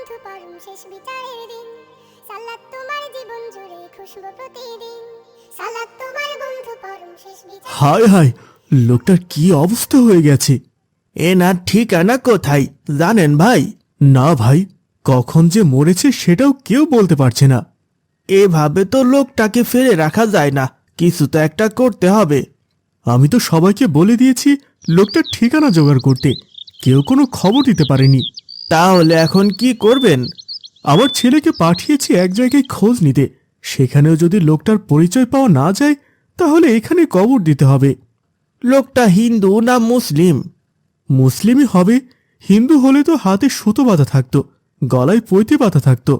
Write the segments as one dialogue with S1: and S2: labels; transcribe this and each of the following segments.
S1: বন্ধু পরম শেষ বিচারের দিন, সালাত তোমার জীবন জুড়ে খুশবু প্রতিদিন, সালাত তোমার বন্ধু পরম শেষ বিচার।
S2: হায় হায়, লোকটার কি অবস্থা হয়ে গেছে। এনার ঠিকানা কোথায় জানেন ভাই? না ভাই, কখন যে মরেছে সেটাও কেউ বলতে পারছে না। এভাবে তো লোকটাকে ফেলে রাখা যায় না, কিছু তো একটা করতে হবে। আমি তো সবাইকে বলে দিয়েছি লোকটার ঠিকানা জোগাড় করতে, কেউ কোনো খবর দিতে পারেনি। তাহলে এখন কি করবেন? আমার ছেলেকে পাঠিয়েছি এক জায়গায় খোঁজ নিতে, সেখানেও যদি লোকটার পরিচয় পাওয়া না যায় তাহলে এখানে কবর দিতে হবে। লোকটা হিন্দু না মুসলিম? মুসলিমই হবে, হিন্দু হলে তো হাতে সুতো বাঁধা থাকতো, গলায় পৈতে বাঁধা থাকতো।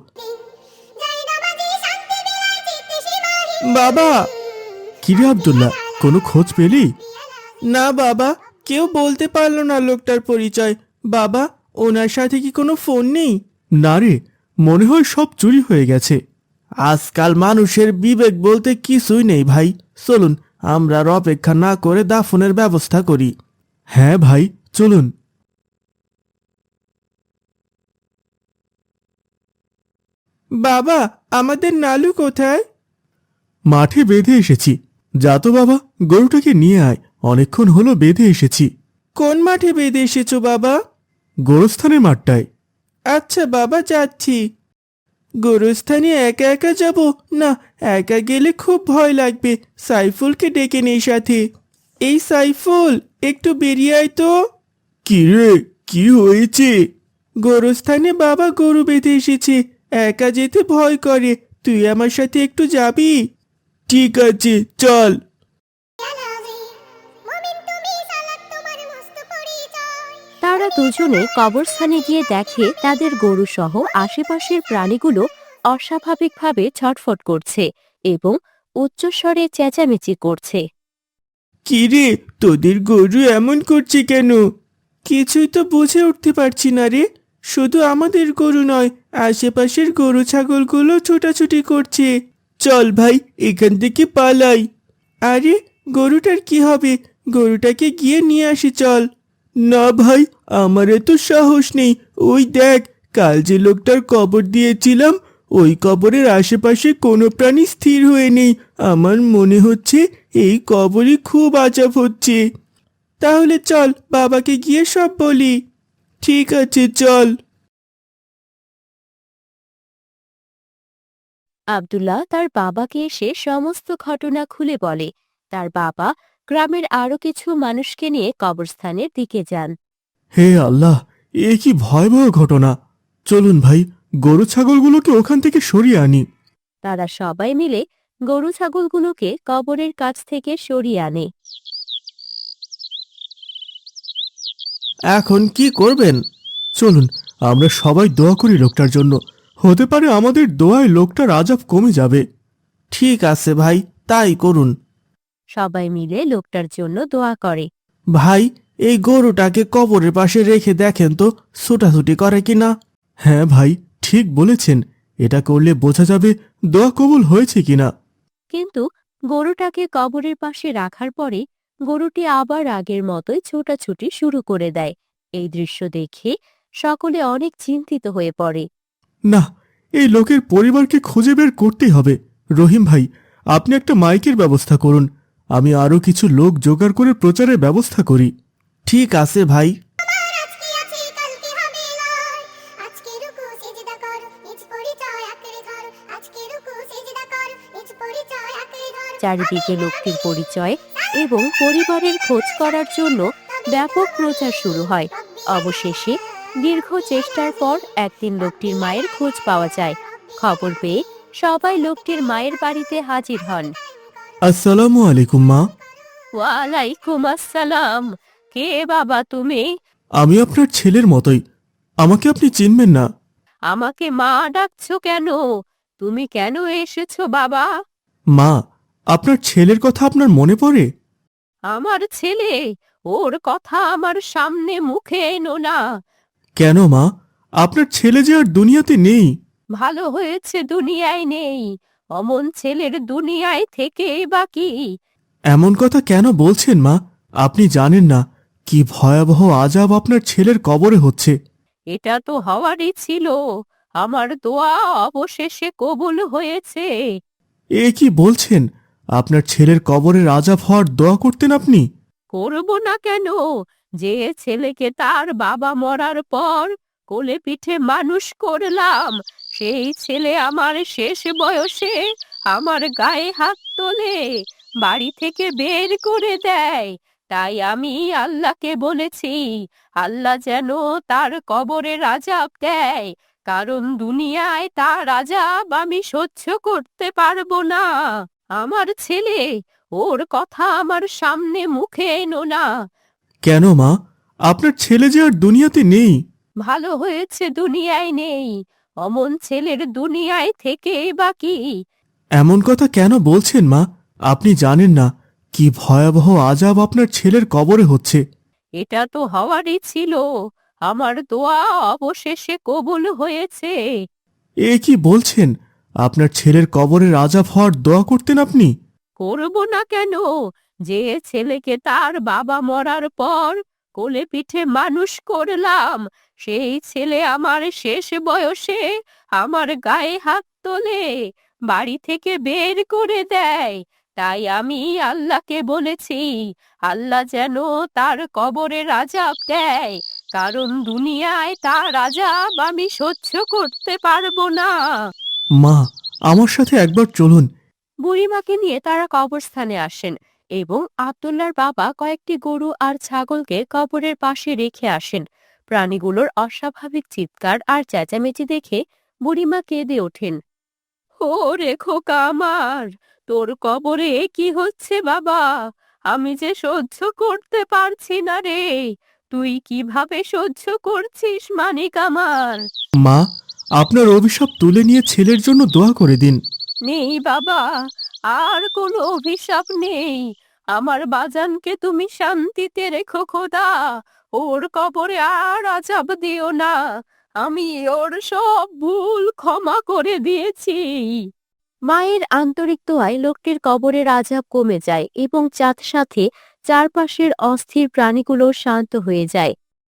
S2: বাবা! কিরে আব্দুল্লাহ, কোনো খোঁজ পেলি? না বাবা, কেউ বলতে পারলো না লোকটার পরিচয়। বাবা, ওনার সাথে কি কোনো ফোন নেই? না রে, মনে হয় সব চুরি হয়ে গেছে। আজকাল মানুষের বিবেক বলতে কিছুই নেই ভাই। চলুন আমরা আর অপেক্ষা না করে দাফনের ব্যবস্থা করি। হ্যাঁ ভাই, চলুন। বাবা, আমাদের নালু কোথায়? মাঠে বেঁধে এসেছি। যা তো বাবা, গরুটাকে নিয়ে আয়, অনেকক্ষণ হলো বেঁধে এসেছি। কোন মাঠে বেঁধে এসেছো বাবা? গোরস্থানের মাঠটায়। আচ্ছা বাবা, যাচ্ছি। গোরস্থানে একা একা যাব না, একা গেলে খুব ভয় লাগবে। সাইফুলকে ডেকে নেই সাথে। এই সাইফুল, একটু বেরিয়ে আয় তো। কি রে, কি হয়েছে? গোরস্থানে বাবা গরু বেঁধে এসেছে, একা যেতে ভয় করে। তুই আমার সাথে একটু যাবি? ঠিক আছে, চল।
S3: তারা দুজনে কবরস্থানে গিয়ে দেখে তাদের গরুসহ আশেপাশের প্রাণীগুলো অস্বাভাবিকভাবে ছটফট করছে এবং উচ্চস্বরে চেঁচামেচি করছে।
S2: কি রে, তোদের গরু এমন করছে কেন? কিছুই তো বুঝে উঠতে পারছি না রে। শুধু আমাদের গরু নয়, আশেপাশের গরু ছাগলগুলো ছোটাছুটি করছে। চল ভাই, এখান থেকে পালাই। আরে, গরুটার কি হবে? গরুটাকে গিয়ে নিয়ে আসি চল। না ভাই, আমার এত সাহস নেই। ওই দেখ, কাল যে লোকটার কবর দিয়েছিলাম, ওই কবরের আশেপাশে কোনো প্রাণী স্থির হয়ে নেই। আমার মনে হচ্ছে এই কবরই খুব আজাব হচ্ছে। তাহলে চল, বাবাকে গিয়ে সব বলি। ঠিক আছে, চল।
S3: আব্দুল্লাহ তার বাবাকে এসে সমস্ত ঘটনা খুলে বলে। তার বাবা গ্রামের আরো কিছু মানুষকে নিয়ে কবরস্থানের দিকে যান।
S2: হে আল্লাহ, এ কি ভয়াবহ ঘটনা! চলুন ভাই, গরু ছাগলগুলোকে ওখান থেকে সরিয়ে আনি।
S3: তারা সবাই মিলে গরু ছাগলগুলোকে কবরের কাছ থেকে সরিয়ে আনে।
S2: এখন কি করবেন? চলুন আমরা সবাই দোয়া করি লোকটার জন্য, হতে পারে আমাদের দোয়ায় লোকটার আজাব কমে যাবে। ঠিক আছে ভাই, তাই করুন।
S3: সবাই মিলে লোকটার জন্য দোয়া করে।
S2: ভাই, এই গরুটাকে কবরের পাশে রেখে দেখেন তো ছুটাছুটি করে কিনা। হ্যাঁ ভাই, ঠিক বলেছেন, এটা করলে বোঝা যাবে দোয়া কবুল হয়েছে কিনা।
S3: কিন্তু গরুটাকে কবরের পাশে রাখার পরে গরুটি আবার আগের মতোই ছোটাছুটি শুরু করে দেয়। এই দৃশ্য দেখে সকলে অনেক চিন্তিত হয়ে পড়ে।
S2: না, এই লোকের পরিবারকে খুঁজে বের করতেই হবে। রহিম ভাই, আপনি একটা মাইকের ব্যবস্থা করুন, আমি আরো কিছু লোক জোগাড় করে প্রচারের ব্যবস্থা করি। ঠিক আছে ভাই।
S3: চারিদিকে লোকটির পরিচয় এবং পরিবারের খোঁজ করার জন্য ব্যাপক প্রচার শুরু হয়। অবশেষে দীর্ঘ চেষ্টার পর একদিন লোকটির মায়ের খোঁজ পাওয়া যায়। খবর পেয়ে সবাই লোকটির মায়ের বাড়িতে হাজির হন।
S2: আসসালামু আলাইকুম মা।
S3: ওয়ালাইকুম আসসালাম। কে বাবা তুমি?
S2: আমি আপনার ছেলের মতোই, আমাকে আপনি চিনবেন না?
S3: আমাকে মা ডাকছো কেন? তুমি কেন এসেছো বাবা?
S2: মা, আপনার ছেলের কথা আপনার মনে পড়ে?
S3: আমার ছেলে? ওর কথা আমার সামনে মুখে এনো না।
S2: কেন মা, আপনার ছেলে যে আর দুনিয়াতে নেই।
S3: ভালো হয়েছে দুনিয়ায় নেই, অমন ছেলের দুনিয়ায় থেকেই বা কি?
S2: এমন কথা কেন বলছেন মা? আপনি জানেন না কি ভয়াবহ আজাব আপনার ছেলের কবরে হচ্ছে।
S3: এটা তো হওয়ারই ছিল। আমার দোয়া অবশেষে কবুল হয়েছে।
S2: এ কি বলছেন? আপনার ছেলের কবরের আজাব হওয়ার দোয়া করতেন আপনি?
S3: করব না কেন? যে ছেলেকে তার বাবা মরার পর কোলে পিঠে মানুষ করলাম, সেই ছেলে আমার শেষ বয়সে আমার গায়ে হাত তোলে, বাড়ি থেকে বের করে দেয়। তাই আমি আল্লাহকে বলেছি, আল্লাহ যেন তার কবরের আযাব দেয়, কারণ দুনিয়ায় তার আযাব আমি সহ্য করতে পারবো না। আমার ছেলে, ওর কথা আমার সামনে মুখে এনো না।
S2: কেন মা? আপনার ছেলে যে আর দুনিয়াতে নেই।
S3: ভালো হয়েছে দুনিয়ায় নেই, অমন ছেলের দুনিয়ায় থেকে বা কি?
S2: এমন কথা কেন বলছেন মা? আপনি জানেন না কি ভয়াবহ আজাব আপনার ছেলের কবরে হচ্ছে।
S3: এটা তো হওয়ারই ছিল, আমার দোয়া অবশেষে কবুল হয়েছে।
S2: এ কি বলছেন? আপনার ছেলের কবরের আজাব হওয়ার দোয়া করতেন আপনি?
S3: করব না কেন? যে ছেলেকে তার বাবা মরার পর কোলে পিঠে মানুষ করলাম, সেই ছেলে আমার শেষ বয়সে আমার গায়ে হাত তোলে, বাড়ি থেকে বের করে দেয়। তাই আমি আল্লাহকে বলেছি, আল্লাহ যেন তার কবরের আযাব দেয়, কারণ দুনিয়ায় তার আযাব আমি সহ্য করতে পারবো না।
S2: মা, আমার সাথে একবার চলুন।
S3: বুড়িমাকে নিয়ে তারা কবরস্থানে আসেন এবং আব্দুল্লাহর বাবা কয়েকটি গরু আর ছাগলকে কবরের পাশে রেখে আসেন। প্রাণীগুলোর অস্বাভাবিক চিৎকার আর চেঁচামেচি দেখে বুড়িমা কেঁদে ওঠেন। ও রে খোকা আমার, তোর কবরে এ কি হচ্ছে বাবা? আমি যে সহ্য করতে পারছি না রে। তুই কিভাবে সহ্য করছিস মানিক আমার?
S2: মা, আপনার অভিশাপ তুলে নিয়ে ছেলের জন্য দোয়া করে দিন।
S3: নেই বাবা, আর কোনো অভিশাপ নেই। আমার বাজানকে তুমি শান্তিতে রেখো খোদা, ওর কবরে আর আযাব দিও না। আমি ওর সব ভুল ক্ষমা করে দিয়েছি। মায়ের আন্তরিক দোয়ায় লোকটির কবরের আযাব কমে যায় এবং সাথে চারপাশের অস্থির প্রাণীগুলো শান্ত হয়ে যায়।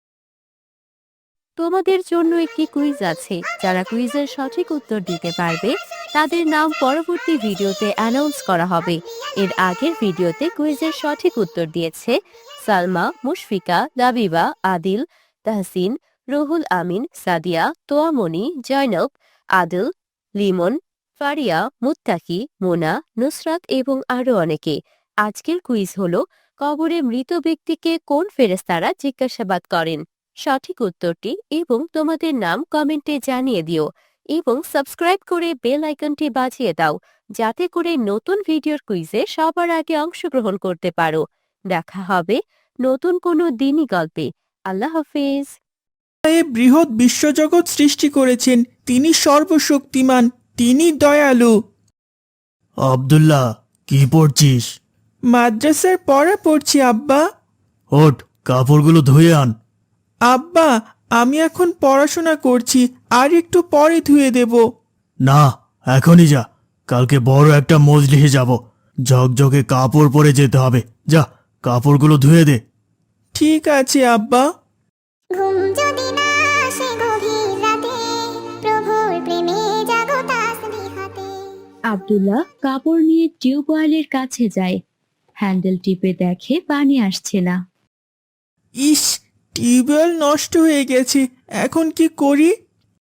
S3: তোমাদের জন্য একটি কুইজ আছে। যারা কুইজের সঠিক উত্তর দিতে পারবে তাদের নাম পরবর্তী ভিডিওতে অ্যানাউন্স করা হবে। এর আগের ভিডিওতে কুইজের সঠিক উত্তর দিয়েছে সালমা, মুশফিকা, লাবিবা, আদিল, তাহসিন, রুহুল আমিন, সাদিয়া, তোয়ামনি, জয়নব, আদিল, লিমন, ফারিয়া, মুত্তাকি, মোনা, নুসরাত এবং আরও অনেকে। আজকের কুইজ হলো, কবরে মৃত ব্যক্তিকে কোন ফেরেশতারা জিজ্ঞাসাবাদ করেন? সঠিক উত্তরটি এবং তোমাদের নাম কমেন্টে জানিয়ে দিও এবং সাবস্ক্রাইব করে বেল আইকনটি বাজিয়ে দাও, যাতে করে নতুন ভিডিওর কুইজে সবার আগে অংশগ্রহণ করতে পারো। দেখা হবে নতুন কোনো দিনই গল্পে। আল্লাহ হাফেজ।
S2: এ বৃহৎ বিশ্বজগৎ সৃষ্টি করেছেন, তিনি সর্বশক্তিমান, তিনি দয়ালু। আব্দুল্লাহ, কি পড়ছিস? মাদ্রাসার পড়া পড়ছি আব্বা। ওঠ, কাপড়গুলো ধুয়ে আন। আব্বা, আমি এখন পড়াশোনা করছি, আর একটু পরে ধুয়ে দেব। না, এখনই যা, কালকে বড় একটা মজলিসে যাব, ঝকঝকে কাপড় পরে যেতে হবে। যা, কাপড়গুলো ধুয়ে দে। ঠিক আছে আব্বা।
S1: ঘুম যদি না আসে গভীর রাতে, প্রভুর প্রেমে জাগো তাসবিহাতে।
S3: আব্দুল্লাহ কাপড় নিয়ে টিউবওয়েলের কাছে যায়। হ্যান্ডেল টিপে দেখে পানি আসছে না।
S2: ইস, টিউবওয়েল নষ্ট হয়ে গেছে, এখন কি করি?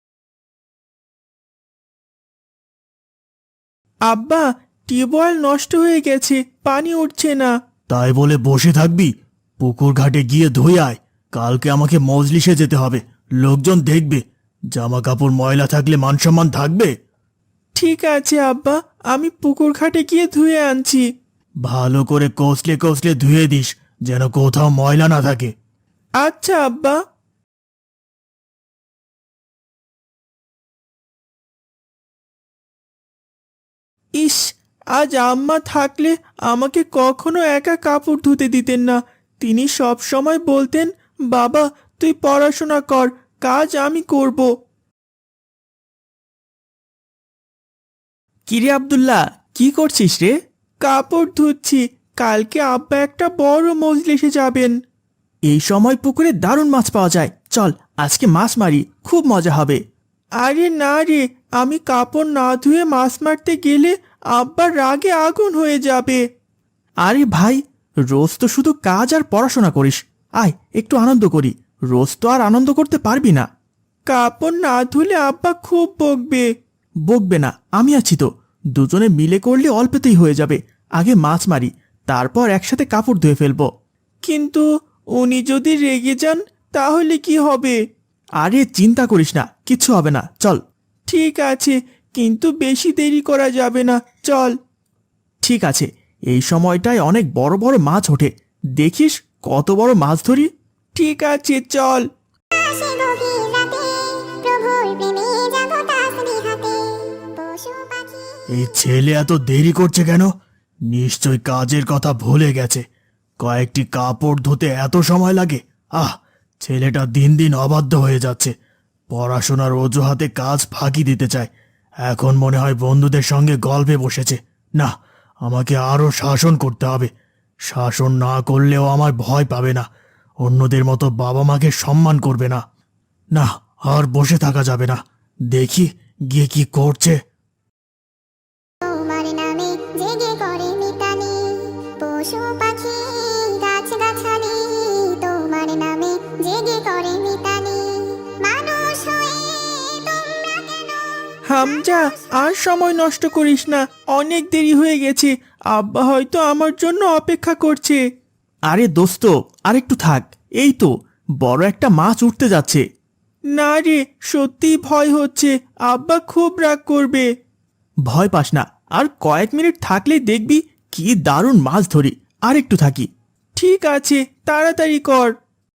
S2: আব্বা, টিউবওয়েল নষ্ট হয়ে গেছে, পানি উঠছে না। তাই বলে বসে থাকবি? পুকুর ঘাটে গিয়ে ধুয়ে আয়, কালকে আমাকে মজলিসে যেতে হবে, লোকজন দেখবে। জামা কাপড় ময়লা থাকলে মানসম্মান থাকবে? ঠিক আছে আব্বা, আমি পুকুর ঘাটে গিয়ে ধুয়ে আনছি। ভালো করে কষলে কষলে ধুয়ে দিস, যেন কোথাও ময়লা না থাকে। আচ্ছা আব্বা। ইস, আজ আম্মা থাকলে আমাকে কখনো একা কাপড় ধুতে দিতেন না। তিনি সব সময় বলতেন, বাবা তুই পড়াশোনা কর, কাজ আমি করব। কিরে আব্দুল্লাহ, কি করছিস রে? কাপড় ধুচ্ছি, কালকে আব্বা একটা বড় মজলিসে যাবেন। এই সময় পুকুরে দারুণ মাছ পাওয়া যায়, চল আজকে মাছ মারি, খুব মজা হবে। আরে না রে, আমি কাপড় না ধুয়ে মাছ মারতে গেলে আব্বার রাগে আগুন হয়ে যাবে। আরে ভাই, রোজ তো শুধু কাজ আর পড়াশোনা করিস, আয় একটু আনন্দ করি। রোজ তো আর আনন্দ করতে পারবি না। কাপড় না ধুলে আব্বা খুব বকবে। বকবে না, আমি আছি তো। দুজনে মিলে করলে অল্পতেই হয়ে যাবে। আগে মাছ মারি, তারপর একসাথে কাপড় ধুয়ে ফেলবো। কিন্তু উনি যদি রেগে যান তাহলে কি হবে? আরে চিন্তা করিস না, কিচ্ছু হবে না, চল। ঠিক আছে, কিন্তু বেশি দেরি করা যাবে না, চল। ঠিক আছে, এই সময়টায় অনেক বড় বড় মাছ ওঠে, দেখিস কত বড় মাছ ধরি। ঠিক আছে, চল।
S1: আসে গভীর রাতে, প্রভুর প্রেমে জাগো তাসবিহাতে, পশু পাখি
S2: এই ছেলে এত দেরি করছে কেন? নিশ্চয় কাজের কথা ভুলে গেছে। কয়েকটি কাপড় ধুতে এত সময় লাগে? ছেলেটা দিন দিন অবাধ্য হয়ে যাচ্ছে। পড়াশোনার অজুহাতে কাজ ফাঁকি দিতে চায়। এখন মনে হয় বন্ধুদের সঙ্গে গল্পে বসেছে। না, আমাকে আরো শাসন করতে হবে। শাসন না করলেও আমার ভয় পাবে না, অন্যদের মতো বাবা মাকে সম্মান করবে না। না, আর বসে থাকা যাবে না, দেখি গিয়ে কি করছে।
S1: তোমার নামে জেগে করে মিতালি, পশু পাখি গাছ গাছালি, তোমার নামে জেগে করে মিতালি, মানুষ হয়ে তোমরা কেন?
S2: হামজা, আর সময় নষ্ট করিস না, অনেক দেরি হয়ে গেছে। আব্বা হয়তো আমার জন্য অপেক্ষা করছে। আরে দোস্ত, আর একটু থাক, এই তো বড় একটা মাছ উঠতে যাচ্ছে। না রে, সত্যি ভয় হচ্ছে, আব্বা খুব রাগ করবে। ভয় পাস না, আর কয়েক মিনিট থাকলেই দেখবি কি দারুণ মাছ ধরি। আর একটু থাকি। ঠিক আছে, তাড়াতাড়ি কর।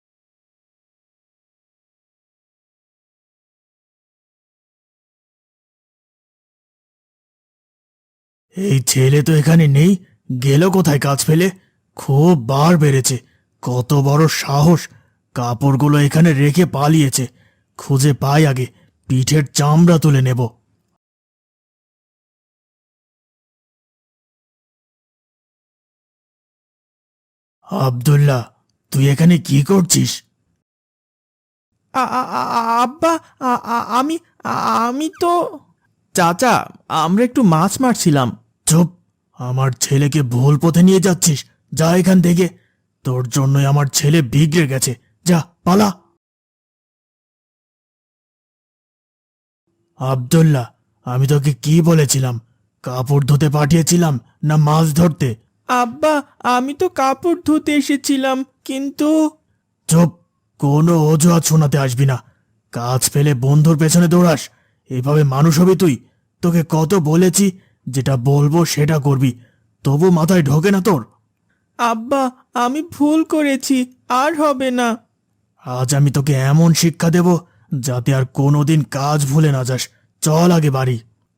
S2: এই ছেলে তো এখানে নেই, গেল কোথায় কাজ ফেলে? খুব বার বেড়েছে, কত বড় সাহস! কাপড়গুলো এখানে রেখে পালিয়েছে। খুঁজে পাই আগে, পিঠের চামড়া তুলে নেব। আব্দুল্লাহ, তুই এখানে কি করছিস? আব্বা, আমি আমি তো চাচা, আমরা একটু মাছ মারছিলাম। চুপ! আমার ছেলেকে ভুল পথে নিয়ে যাচ্ছিস, যা এখান থেকে। তোর জন্যই আমার ছেলে বিগড়ে গেছে, যা পালা। আব্দুল্লাহ, আমি তোকে কি বলেছিলাম? কাপড় ধুতে পাঠিয়েছিলাম না মাছ ধরতে? আব্বা, আমি তো কাপড় ধুতে এসেছিলাম, কিন্তু। চুপ! কোনো অজুহাত শোনাতে আসবি না। কাজ ফেলে বন্ধুর পেছনে দৌড়াস? এভাবে মানুষ হবি তুই? তোকে কত বলেছি যেটা বলবো সেটা করবি, তবু মাথায় ঢোকে না তোর? আব্বা, আমি ভুল করেছি, আর হবে না। আজ আমি তোকে এমন শিক্ষা দেব যাতে আর কোনোদিন কাজ ভুলে না যাস। চল আগে বাড়ি।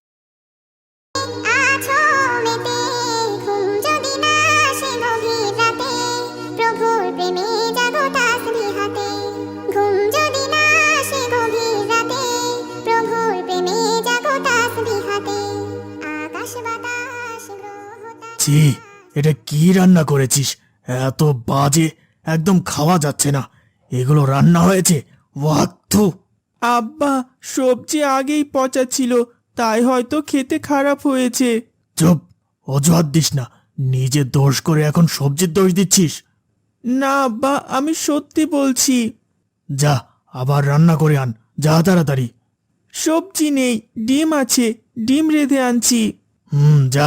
S1: আছো মেতে, ঘুম যদি না আসে গভীর রাতে, প্রভুর প্রেমে জাগো তাসবিহাতে, ঘুম যদি না আসে গভীর রাতে, প্রভুর প্রেমে জাগো তাসবিহাতে, আকাশ বাতাস গ্রহ তারা।
S2: ছি, এটা কি রান্না করেছিস? এত বাজে, একদম খাওয়া যাচ্ছে না। এগুলো রান্না হয়েছে? ওয়াক্তু! আব্বা, সবজি আগেই পচা ছিল, তাই হয়তো খেতে খারাপ হয়েছে। চুপ! অজুহাত দিস না, নিজে দোষ করে এখন সবজির দোষ দিচ্ছিস। না আব্বা, আমি সত্যি বলছি। যা, আবার রান্না করে আন, যা তাড়াতাড়ি। সবজি নেই, ডিম আছে, ডিম রেঁধে আনছি। যা।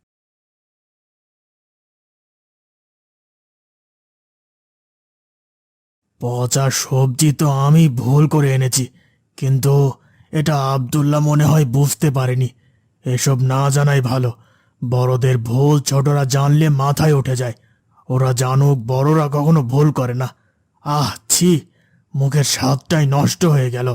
S2: পচা সবজি তো আমি ভুল করে এনেছি, কিন্তু এটা আব্দুল্লাহ মনে হয় বুঝতে পারেনি। এসব না জানাই ভালো। বড়দের ভুল ছোটরা জানলে মাথায় উঠে যায়। ওরা জানুক, বড়রা কখনো ভুল করে না। ছি! মুখের স্বাদটাই নষ্ট হয়ে গেল।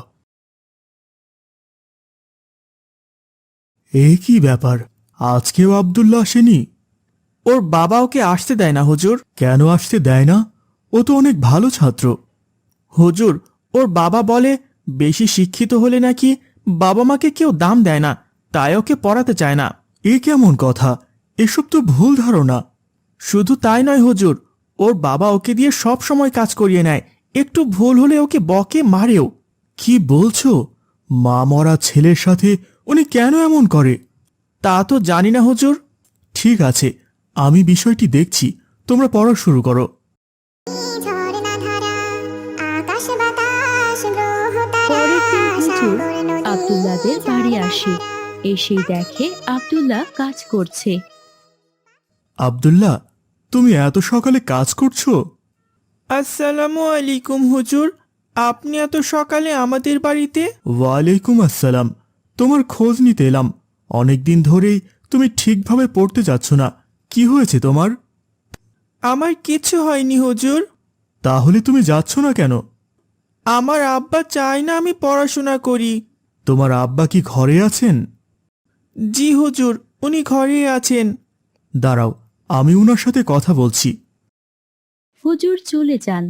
S2: এ কি ব্যাপার? আজকেও আব্দুল্লাহ আসেনি? ওর বাবা ওকে আসতে দেয় না হুজুর। কেন আসতে দেয় না? ও তো অনেক ভালো ছাত্র। হুজুর, ওর বাবা বলে বেশি শিক্ষিত হলে নাকি বাবা মাকে কেউ দাম দেয় না, তাই ওকে পড়াতে চায় না। এ কেমন কথা? এসব তো ভুল ধারণা। শুধু তাই নয় হুজুর, ওর বাবা ওকে দিয়ে সব সময় কাজ করিয়ে নেয়, একটু ভুল হলে ওকে বকে, মারেও। কি বলছো? মা মরা ছেলের সাথে উনি কেন এমন করে? তা তো জানি না হুজুর। ঠিক আছে, আমি বিষয়টি দেখছি, তোমরা পড়া শুরু করো।
S1: ঝর্ণা ধারা আকাশ বাতাস গ্রহ তারা
S3: পরের দিন হুজুর
S1: সাগর নদী
S3: আব্দুল্লাহদের বাড়ি আসে। এসেই দেখে আব্দুল্লাহ কাজ করছে।
S2: আব্দুল্লাহ, তুমি এত সকালে কাজ করছো? আসসালামু আলাইকুম হুজুর, আপনি এত সকালে আমাদের বাড়িতে? ওয়ালাইকুম আসসালাম। তোমার খোঁজ নিতে এলাম। অনেকদিন ধরেই তুমি ঠিকভাবে পড়তে যাচ্ছ না, কি হয়েছে তোমার? আমার কিছু হয়নি হুজুর। তাহলে তুমি যাচ্ছ না কেন? আমার আব্বা চায় না আমি পড়াশোনা করি। তোমার আব্বা কি ঘরে আছেন? জি হুজুর, উনি ঘরে আছেন। দাঁড়াও, আমি উনার সাথে কথা বলছি।
S3: হুজুর চলে যান।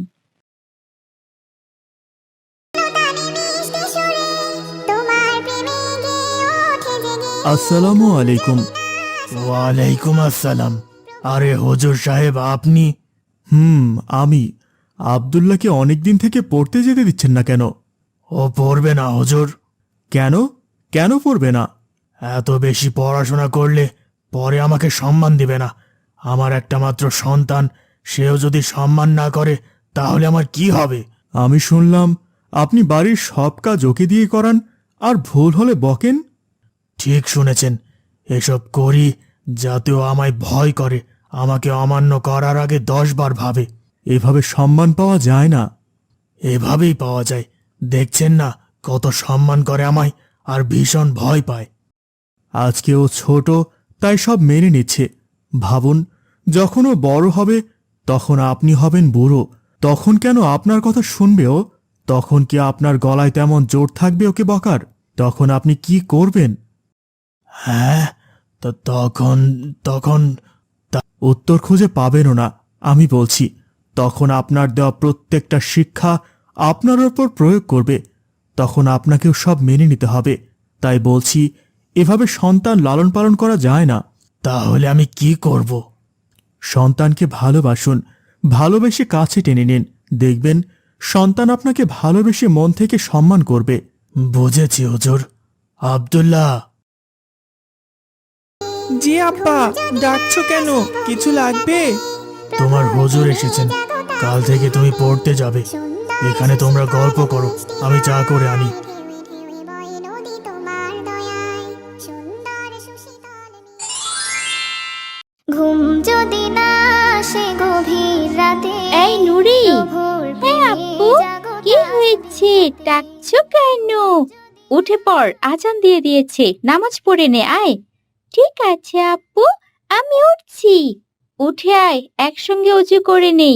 S1: মিষ্টি সুরে তোমার প্রেমে গেয়ে ওঠে জেগে
S2: আসসালামু আলাইকুম। ওয়ালাইকুম আসসালাম। আরে হুজুর সাহেব, আপনি? আমি। আব্দুল্লাহকে অনেকদিন থেকে পড়তে যেতে দিচ্ছেন না কেন? ও পড়বে না হুজুর। কেন? কেন পড়বে না? এত বেশি পড়াশোনা করলে পরে আমাকে সম্মান দিবে না। আমার একটা মাত্র সন্তান, সেও যদি সম্মান না করে তাহলে আমার কি হবে? আমি শুনলাম আপনি বাড়ির সব কাজ ওকে দিয়ে করান, আর ভুল হলে বকেন। ঠিক শুনেছেন, এসব করি যাতেও আমায় ভয় করে, আমাকে অমান্য করার আগে 10 বার ভাবে। এভাবে সম্মান পাওয়া যায় না। এভাবেই পাওয়া যায়, দেখছেন না কত সম্মান করে আমায়, আর ভীষণ ভয় পায়। আজকে ও ছোট, তাই সব মেনে নিচ্ছে। ভাবুন, যখন ও বড় হবে তখন আপনি হবেন বুড়ো, তখন কেন আপনার কথা শুনবে ও? তখন কি আপনার গলায় তেমন জোর থাকবে ওকে বকার? তখন আপনি কি করবেন? হ্যাঁ, তো তখন তখন উত্তর খুঁজে পাবেনও না। আমি বলছি, তখন আপনার দেওয়া প্রত্যেকটা শিক্ষা আপনার ওপর প্রয়োগ করবে। তখন আপনাকেও সব মেনে নিতে হবে। তাই বলছি, এভাবে সন্তান লালন পালন করা যায় না। তাহলে আমি কি করব? সন্তানকে ভালোবাসুন, ভালোবেসে কাছে টেনে নিন। দেখবেন সন্তান আপনাকে ভালোবেসে মন থেকে সম্মান করবে। বুঝেছি হুজুর। আব্দুল্লাহ। জি আব্বা, ডাকছো কেন? কিছু লাগবে? তোমার হুজুর এসেছেন, কাল থেকে তুমি পড়তে যাবে। এখানে তোমরা গল্প করো, আমি চা করে আনি।
S1: ঘুম যদি না আসে গভীর রাতে
S3: এই নুরি,
S1: প্রভুর
S3: হ্যাঁ
S1: প্রেমে
S3: আপু,
S1: জাগো
S3: কি হয়েছে? ডাকছো কেন? উঠে পড়, আজান দিয়ে দিয়েছে, নামাজ পড়ে নে, আয়। ঠিক আছে আপু, আমি উঠছি। উঠে আয়, একসঙ্গে অজু করে নেই।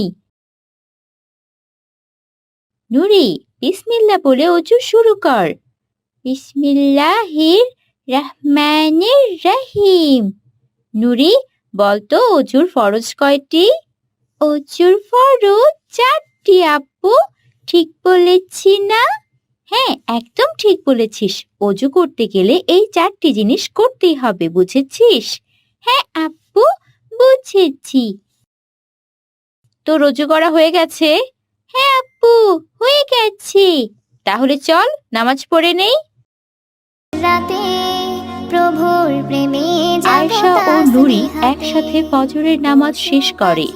S3: নুরি, বিসমিল্লাহ বলে অজু শুরু কর। বিসমিল্লাহির রহমানির রহিম। নুরি, বলতো অজুর ফরজ কয়টি? অজুর ফরজ 4টি আপু। ঠিক বলেছি না? হ্যাঁ, একদম ঠিক বলেছিস। অজু করতে গেলে এই 4টি জিনিস করতেই হবে, বুঝেছিস? হ্যাঁ আপু, বুঝেছি। তোর অজু করা হয়ে গেছে? হ্যাঁ আপু, হয়ে গেছে। তাহলে চল নামাজ পড়ে নেই।
S1: রাতে প্রভুর প্রেমে জাগো
S3: আয়েশা ও নুরি একসাথে ফজরের নামাজ শেষ করে।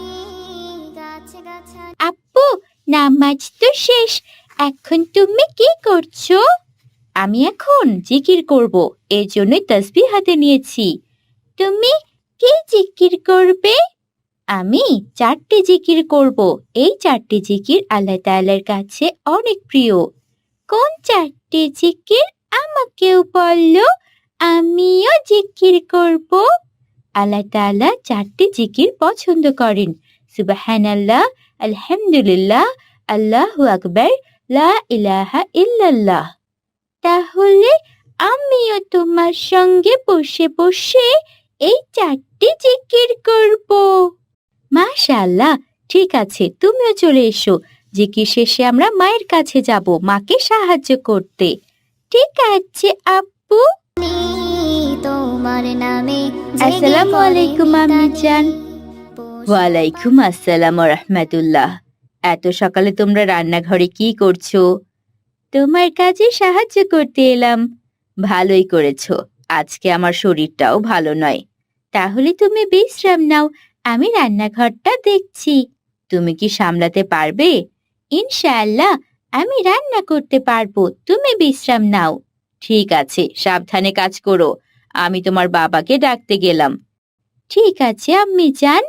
S3: আপু, নামাজ তো শেষ, এখন তুমি কি করছো? আমি এখন জিকির করব, এর জন্যই তাসবিহ হাতে নিয়েছি। তুমি কি জিকির করবে? আমি 4টি জিকির করব। এই 4টি জিকির আল্লাহ তাআলার কাছে অনেক প্রিয়। কোন 4টি জিকির আমাকেও বললো, আমিও জিকির করব। আল্লাহ তাআলা 4টি জিকির পছন্দ করেন। সুবহানাল্লাহ, আলহামদুলিল্লাহ, আল্লাহু আকবার, লা ইলাহা ইল্লাল্লাহ। তাহলে আমিও তোমার সঙ্গে বসে বসে এই 4টি জিকির করব। মাশাআল্লাহ, ঠিক আছে, তুমিও চলে এসো। জিকির শেষে আমরা মায়ের কাছে যাব মাকে সাহায্য করতে। ঠিক আছে আপু।
S1: তোমার নামে
S3: আসসালামু আলাইকুম আম্মিজান। ওয়ালাইকুম আসসালাম ওয়া রাহমাতুল্লাহ। এত সকালে তোমরা রান্নাঘরে কি করছো? তোমার কাজে সাহায্য করতে এলাম। ভালোই করেছো, আজকে আমার শরীরটাও ভালো নয়। তাহলে তুমি বিশ্রাম নাও, আমি রান্নাঘরটা দেখছি। তুমি কি সামলাতে পারবে? ইনশাআল্লাহ আমি রান্না করতে পারবো, তুমি বিশ্রাম নাও। ঠিক আছে, সাবধানে কাজ করো। আমি তোমার বাবাকে ডাকতে গেলাম। ঠিক আছে আম্মি জান।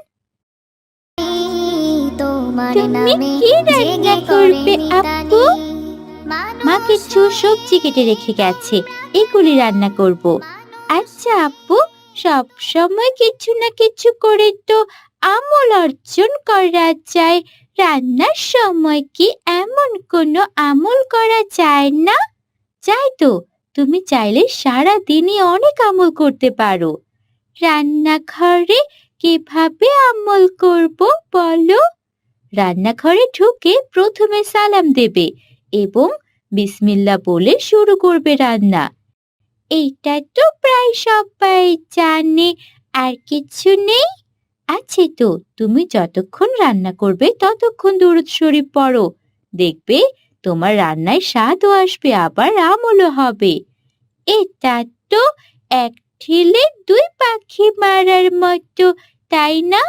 S3: তুমি কি রান্না করবে আপু? মা কিছু সবজি কেটে রেখে গেছে, এগুলি রান্না করব। আচ্ছা আপু, সব সময় কিছু না কিছু করে তো আমল অর্জন করা যায়, রান্নার সময় কি এমন কোনো আমল করা যায় না? যায় তো, তুমি চাইলে সারা দিনই অনেক আমল করতে পারো। রান্নাঘরে কিভাবে আমল করব বলো? রান্নাঘরে ঢুকে প্রথমে সালাম দেবে এবং বিসমিল্লাহ বলে শুরু করবে রান্না। এইটা তো প্রায় সবাই জানে, আর কিছু নেই? আছে তো, তুমি যতক্ষণ রান্না করবে ততক্ষণ দুরূদ শরীফ পড়ো, দেখবে তোমার রান্নায় স্বাদও আসবে, আবার আমলও হবে। এটা তো এক ঢিলে দুই পাখি মারার মতো, তাই না?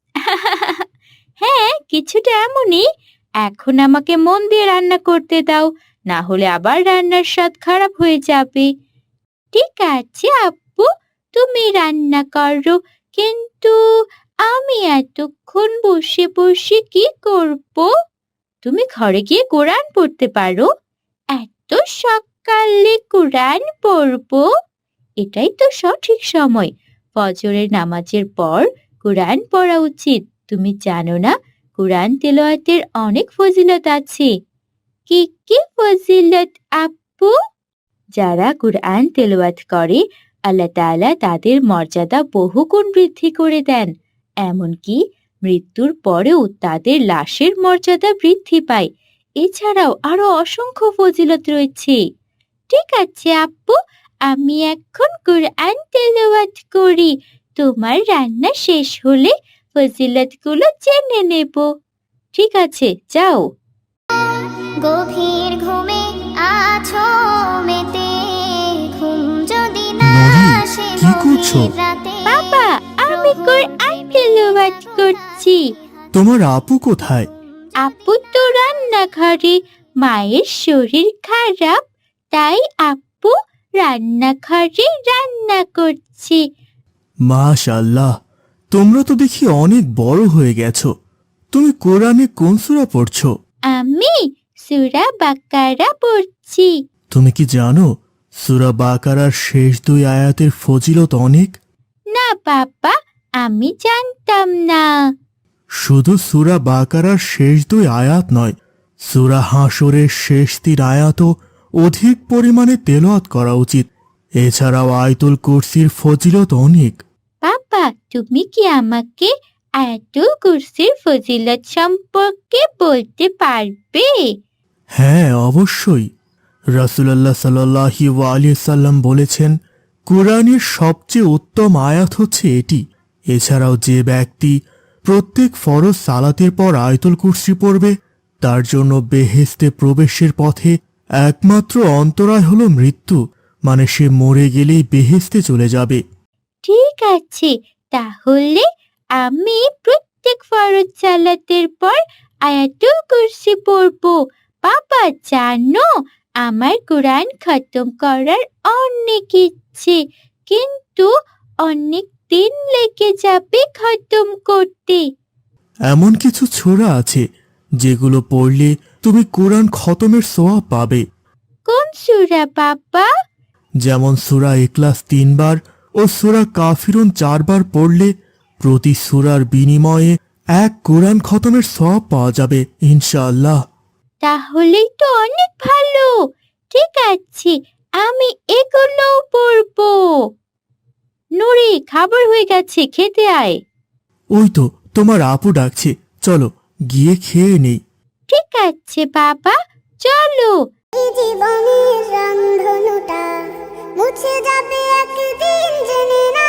S3: হ্যাঁ, কিছুটা এমনই। এখন আমাকে মন দিয়ে রান্না করতে দাও, না হলে আবার রান্নার স্বাদ খারাপ হয়ে যাবে। ঠিক আছে আপু, তুমি রান্না করো, কিন্তু আমি এতক্ষণ বসে বসে কি করব? তুমি ঘরে গিয়ে কোরআন পড়তে পারো। এত সকালে কোরআন পড়বো? এটাই তো সঠিক সময়, ফজরের নামাজের পর কোরআন পড়া উচিত। তুমি জানো না, কোরআন তেলাওয়াতের অনেক ফজিলত আছে। কি কি ফজিলত আপু? যারা কোরআন তেলাওয়াত করে, আল্লাহ তাআলা তাদের মর্যাদা বহুগুণ বৃদ্ধি করে দেন। এমনকি মৃত্যুর পরেও তাদের লাশের মর্যাদা বৃদ্ধি পায়। এছাড়াও আরো অসংখ্য ফজিলত রয়েছে। ঠিক আছে আপু, আমি এখন কোরআন তেলাওয়াত করি। তোমার রান্না শেষ হলে ফজিলতগুলো জেনে নেব। ঠিক আছে, যাও।
S1: গভীর ঘুমে আছো মেতে, ঘুম যদি না
S2: নরি,
S1: আসে
S2: কি করছো?
S1: গভীর রাতে।
S3: বাবা, আমি কোরআন তেলাওয়াত করছি।
S2: তোমার আপু কোথায়?
S3: আপু তো রান্নাঘরে, মায়ের শরীর খারাপ, তাই আপু রান্নাঘরে রান্না করছে।
S2: মাশাআল্লাহ, তোমরা তো দেখি অনেক বড় হয়ে গেছো। তুমি কোরআনে কোন সূরা পড়ছো?
S3: আমি সূরা বাকারা পড়ছি।
S2: তুমি কি জানো সূরা বাকারার শেষ 2 আয়াতের ফজিলত অনেক?
S3: না বাবা, আমি জানতাম না।
S2: শুধু সূরা বাকারার শেষ 2 আয়াত নয়, সূরা হাশরের শেষ 3 আয়াতও অধিক পরিমাণে তেলাওয়াত করা উচিত। এছাড়াও আয়াতুল কুরসির ফজিলত অনেক।
S3: বাবা, তুমি কি আমাকে আয়াতুল কুরসির ফজিলত সম্পর্কে বলতে পারবে?
S2: হ্যাঁ, অবশ্যই। রাসূলুল্লাহ সাল্লাল্লাহু আলাইহি সাল্লাম বলেছেন, কুরআনের সবচেয়ে উত্তম আয়াত হচ্ছে এটি। এছাড়াও যে ব্যক্তি প্রত্যেক ফরজ সালাতের পর আয়াতুল কুরসি পড়বে, তার জন্য বেহেশতে প্রবেশের পথে একমাত্র অন্তরায় হলো মৃত্যু, মানে সে মরে গেলেই বেহেশতে চলে যাবে।
S3: ঠিক আছে, তাহলে আমি প্রত্যেক ফরজ সালাতের পর আয়াতুল কুরসি পড়ব। বাবা জানো, আমার কোরআন খতম করার অনেক ইচ্ছে, কিন্তু অনেক দিন লেগে যাবে খতম করতে।
S2: এমন কিছু সূরা আছে যেগুলো পড়লে তুমি কোরআন খতমের সওয়াব পাবে।
S3: কোন সূরা বাবা?
S2: যেমন সূরা ইখলাস 3 বার ও সূরা কাফিরুন 4 বার পড়লে প্রতি সূরার বিনিময়ে এক কোরআন খতমের সওয়াব পাওয়া যাবে ইনশাআল্লাহ।
S3: তাহলেই তো অনেক ভালো। ঠিক আছে, আমি এগুলো পড়ব। নুরি, খাবার হয়ে গেছে, খেতে আয়।
S2: ওই তো তোমার আপু ডাকছে, চলো গিয়ে খেয়ে নেই।
S3: ঠিক আছে বাবা, চলো।
S1: এই জীবনের রংধনুটা মুছে যাবে একদিন, জেনে না।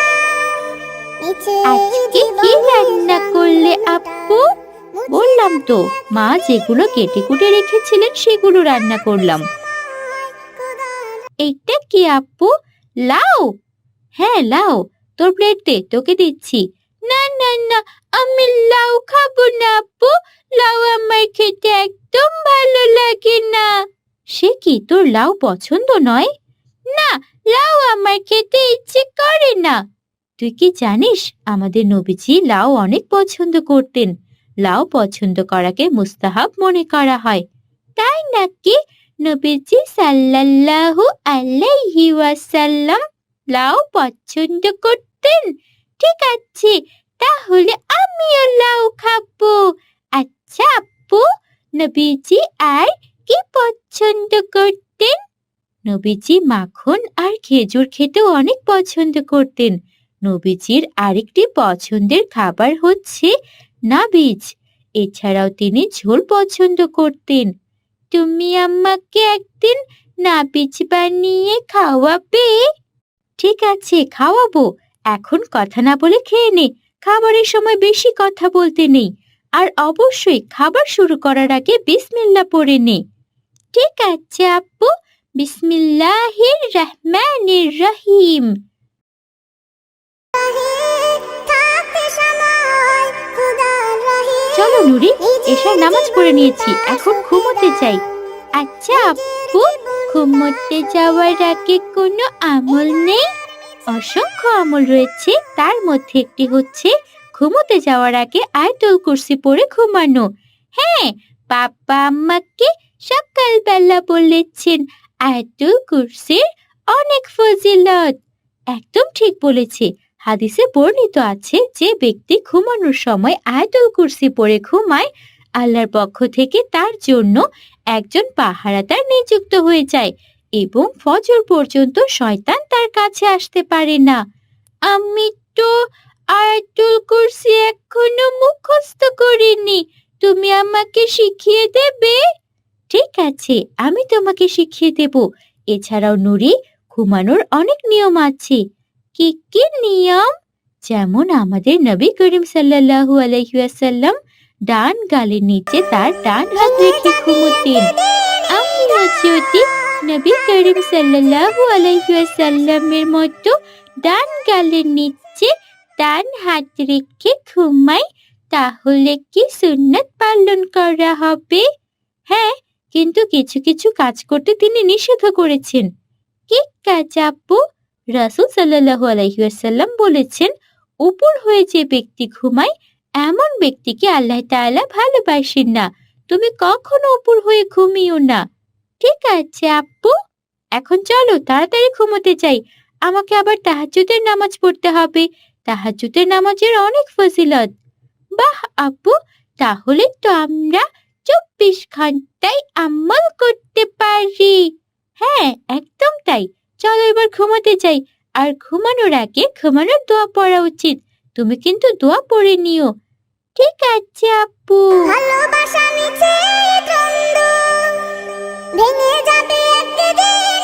S3: আজকে কি রান্না করলে আপু? বললাম তো, মা যেগুলো কেটে কুটে রেখেছিলেন সেগুলো রান্না করলাম। এইটা কি আপু? লাউ? হ্যাঁ লাউ, তোর প্লেট দে, তোকে দিচ্ছি। না না না, আমি লাউ খাবো না আপু, লাউ আমার খেতে একদম ভালো লাগে না। সে কি, তোর লাউ পছন্দ নয়? না, লাউ আমার খেতে ইচ্ছে করে না। তুই কি জানিস আমাদের নবীজি লাউ অনেক পছন্দ করতেন। লাউ পছন্দ করাকে মুস্তাহাব মনে করা হয়। তাই নাকি? নবীজি সাল্লাল্লাহু আলাইহি ওয়াসাল্লাম লাউ পছন্দ করতেন? ঠিক আছে, তাহলে আমিও লাউ খাবো। আচ্ছা আপু, নবীজি আর কি পছন্দ করতেন? নবীজি মাখন আর খেজুর খেতেও অনেক পছন্দ করতেন। নবীজির আরেকটি পছন্দের খাবার হচ্ছে নাবিজ। এছাড়াও তিনি ঝোল পছন্দ করতেন। তুমি আমাকে একদিন নাবিজ বানিয়ে খাওয়াবে? ঠিক আছে, খাওয়াবো। এখন কথা না বলে খেয়ে নে। খাবারের সময় বেশি কথা বলতে নেই। আর অবশ্যই খাবার শুরু করার আগে বিসমিল্লাহ পড়ে নে। ঠিক আছে আপু, বিসমিল্লাহির রহমানির রহিম।
S1: থাকতে সময় খোদার রহে।
S3: চলো নুরি, এশার নামাজ পড়ে নিয়েছি, এখন ঘুমোতে যাই। আচ্ছা আপু, ঘুমোতে যাওয়ার আগে কোনো আমল নেই? অসংখ্য আমল রয়েছে, তার মধ্যে একটি হচ্ছে ঘুমোতে যাওয়ার আগে আয়াতুল কুরসি পড়ে ঘুমানো। হ্যাঁ, বাবা আমাকে সকালবেলা বলেছেন আয়াতুল কুরসির অনেক ফজিলত। একদম ঠিক বলেছে। হাদিসে বর্ণিত আছে, যে ব্যক্তি ঘুমানোর সময় আয়াতুল কুরসি পড়ে ঘুমায়, আল্লাহর পক্ষ থেকে তার জন্য একজন পাহারাদার নিযুক্ত হয়ে যায় এবং ফজর পর্যন্ত শয়তান তার কাছে আসতে পারে না। আমি তো আয়াতুল কুরসি এখনো মুখস্থ করিনি, তুমি আমাকে শিখিয়ে দেবে? ঠিক আছে, আমি তোমাকে শিখিয়ে দেব। এছাড়াও নুরি, ঘুমানোর অনেক নিয়ম আছে। কি কি নিয়ম? যেমন আমাদের নবী করিম সাল্লাল্লাহু আলাইহি ওয়াসাল্লাম ডান গালের নিচে তার ডান হাত রেখে ঘুমোতেন। আমিও যদি নবী করিম সাল্লাল্লাহু আলাইহি ওয়াসাল্লামের মতো ডান গালের নিচে ডান হাত রেখে ঘুমাই, তাহলে কি সুন্নাত পালন করা হবে? হ্যাঁ, কিন্তু কিছু কিছু কাজ করতে তিনি নিষেধ করেছেন। কি কাজ আপু? রাসূল সাল্লাল্লাহু আলাইহি ওয়াসাল্লাম বলেছেন, উপর হয়ে যে ব্যক্তি ঘুমায় এমন ব্যক্তিকে আল্লাহ তাআলা ভালোবাসেন না। তুমি কখনো উপর হয়ে ঘুমিও না। ঠিক আছে আপু, এখন চলো তাড়াতাড়ি ঘুমোতে যাই। আমাকে আবার তাহাজ্জুদের নামাজ পড়তে হবে। তাহাজ্জুদের নামাজের অনেক ফজিলত। বাহ আপু, তাহলে তো আমরা 24 ঘন্টায় আমল করতে পারি। হ্যাঁ, একদম তাই। চলো এবার ঘুমাতে যাই। আর ঘুমানোর আগে ঘুমানোর দোয়া পড়া উচিত। তুমি কিন্তু দোয়া পড়ে নিও। ঠিক আছে আপু।
S1: ভালোবাসা মিছে দ্বন্দ্ব ভেঙে যাবে একদিন।